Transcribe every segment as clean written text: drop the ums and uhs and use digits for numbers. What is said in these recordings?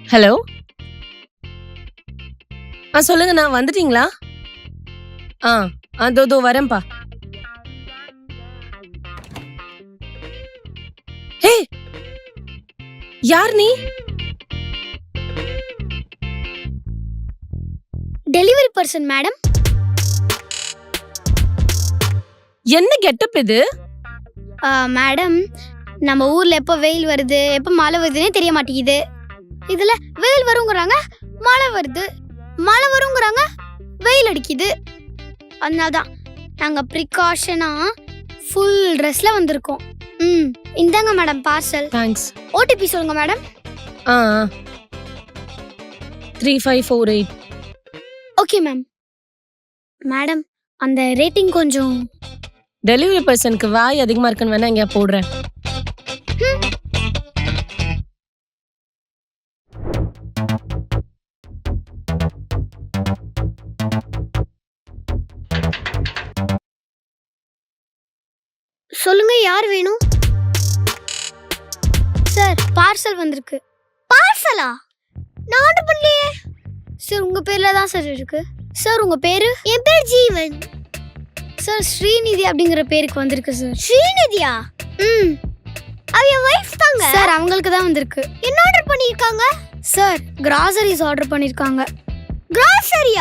Hello. சொல்லுங்க, நான் வந்துட்டீங்களா? அதோ வரேன்ப்பா. ஹே, யார் நீ? Delivery person madam. என்ன கெட்டப் இது? மேடம், நம்ம ஊர்ல எப்போ வெயில் வருது எப்போ மழை வருதுன்னே தெரிய மாட்டேங்குது. இதுல வெயில் வருங்கிறாங்க, மழை வருது, மழை வருங்கிறாங்க, வெயில் அடிக்குது. அதனால்தான் நாங்க ப்ரிகாஷனா ஃபுல் ட்ரெஸ்ல வந்திருக்கோம். இந்தாங்க மேடம் பார்சல். தேங்க்ஸ். ஓடிபி சொல்லுங்க மேடம். 3548. Okay ma'am. மேடம், அந்த ரேட்டிங் கொஞ்சம். டெலிவரி பர்சனுக்கு வாய் அதிகமா இருக்குன்னு வேணா இங்க போடுறேன். சொல்லுங்க, யார் வேணும்? சார், பார்சல் வந்திருக்கு. பார்சலா? நான் ஆர்டர் பண்ணலையே சார். உங்க பேர்ல தான் சார் இருக்கு. சார், உங்க பேரு? என் பேர் ஜீவன் சார். ஸ்ரீநிதி அப்படிங்கிற பேருக்கு வந்திருக்கு சார். ஸ்ரீநிதியா? அவ என் வைஃப் தாங்க சார். அவங்களுக்கு தான் வந்திருக்கு. என்ன ஆர்டர் பண்ணிருக்காங்க சார்? கிராசரிஸ் ஆர்டர் பண்ணிருக்காங்க. கிராசரியா?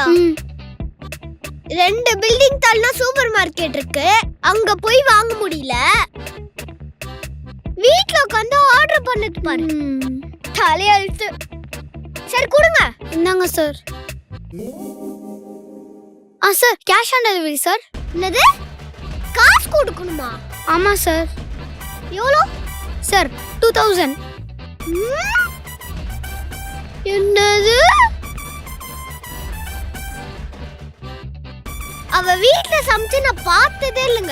2 பில்டிங் தள்ளனா சூப்பர் மார்க்கெட் இருக்கு, அங்க போய் வாங்க முடியல. வீட்ல உட்கார்ந்து ஆர்டர் பண்ணது பாரு. தலையெழுத்து. சரி கொடுங்க. இந்தாங்க sir. Sir, cash on delivery sir. என்னது? காசு கொடுக்கணுமா? ஆமா சார். எவ்வளோ சார்? 2000. என்னது? அவ வீட்ல சமைச்சு நான் பார்த்ததே இல்லைங்க.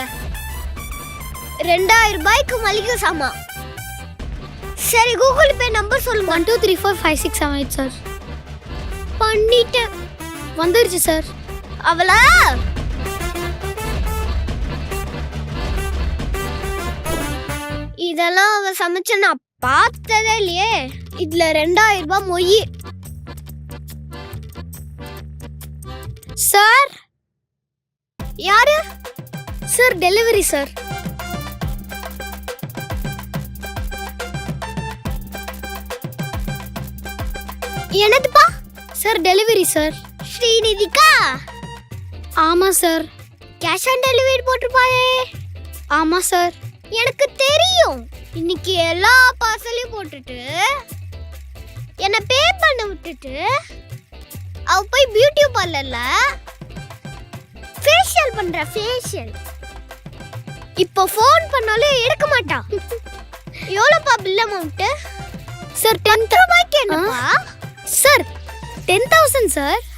2000 ரூபாய்க்கு மளிகை சாமா. சரி, கூகுள் பே நம்பர் சொல்லுங்க. 12345678 சார். பண்ணிட்டேன். வந்துருச்சு சார். அவளா இதெல்லாம் அவ சமைச்ச நான் பார்த்ததே இல்லையே. இதுல 2000 ரூபாய் மொய். சார், யாரு சார்? Delivery sir. என்னதுப்பா? Sir, delivery sir. ஸ்ரீநிதிக்கா? ஆமா சார். கேஷ் ஆன் டெலிவரி போட்டுருப்பாயே. ஆமா சார். எனக்கு தெரியும். இன்னைக்கு எல்லா பார்சலையும் போட்டுட்டு என்ன பே பண்ண விட்டுட்டு அவ போய் பியூட்டி பார்லர்ல ஃபேஷியல் பண்ற. ஃபேஷியல் இப்போ ஃபோன் பண்ணாலும் எடுக்க மாட்டா. எவ்வளோப்பா பில் அமௌண்ட்? சார் 10,000 ரூபாய்க்கு என்னப்பா? Sir 10,000 sir.